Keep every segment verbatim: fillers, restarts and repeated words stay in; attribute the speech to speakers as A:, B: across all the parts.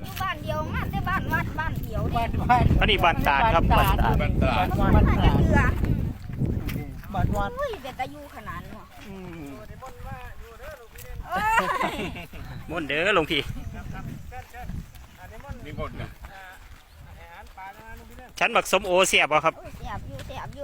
A: อยู่บ้านเดียวมาแต่บ้านวัดบ้านเดียวเด้
B: บ้านบ้าน
C: อันนี้บ้านตาดครับบ้านตาด
D: บ้านตราด
B: บ้าน
A: บ้าน
B: บ้าน
A: จะเกลือ
B: บ้านวัด
A: อุ้ยเป็นตะยูขนาดเนาะ
C: อืม
A: เอ้ย
C: ม่วนเด้อหลวงพี่
D: นิมนต์นะ
C: ฉันบักสมโอเสียบบ่ครับ
A: เสียบอยู่เสียบอยู่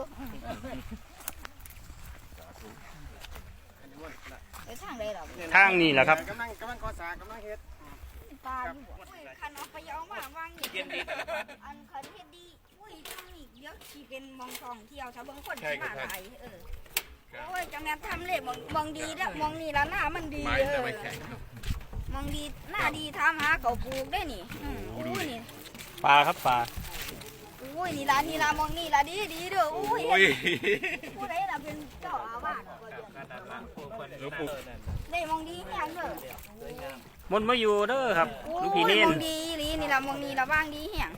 A: ไปทางใดหรอ
C: ทางนี้แหละครับ
B: กำลังกำลังก่อสร้างกำลังเฮ็ด
A: ปลาอยู่อุ้ยคันเอาไปเอามาวางนี่อันคันเฮ็ดดีอุ้ยทางนี้เดี๋ยวสิเป็นมองท่องเที่ยวชาวเบิ่งคนสิมาหลายเออโอ้ยจังแม่นทำเลยมองมองดีแล้วมองนี่ละหน้ามันดี
D: ไม้
A: เอ
D: จะ
A: อ
D: ไม่แข็ง
A: มองดีหน้าดีทำหาเขาปลูกได้นี่อืมอุ้ยนี่
C: ปลาครับปลา
A: อุ้ยนี่ละนี่ละมองนี่ละดีดีเด้ออุ้ย
D: โอ้ย
A: ผู้ใดล่ะเป็นเจ้าอาวาสก็เดือน
D: หลวงปู่
A: ได้มองดีแม่งเด้อ
C: มนต์มาอยู่เด้อครับ
A: โอ้
C: หลูก
A: ย
C: พี่เน้น
A: มองดีอีหลีนี่ละมองนี่ละว่างดีแฮง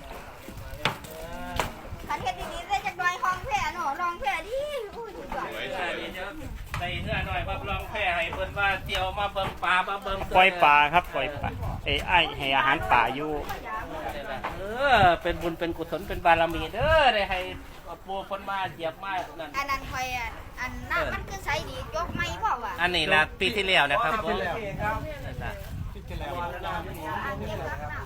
A: คันเฮ็ดดีๆได้จักหน่อยห้องแพ้เนาะรองแพ้ดีอุ้ยสุดยอด
D: สวยสวย
E: ใส่เนื้อหน่อยมาลองแพร่ให้เพิ่นว่าเจียวมาเบิ่งปลามาเบิ่ง
C: ปล่อยปลาครับปล่อยปลาเอ้ยไอ้ให้อาหารป่าอยู่
E: เออเป็นบุญเป็นกุศลเป็นบารมีเด้อได้ให้ปูคนมาเหยียบมานั่น
A: อันนั้นคอยอ่ะอันหน้ามันคือใสดียกไม่พ่อว่ะ
E: อันนี้ละปีที่แล้วนะครับผม
B: ที่แล้วครับที่แล้ว
A: อันเก็บรักน้ำ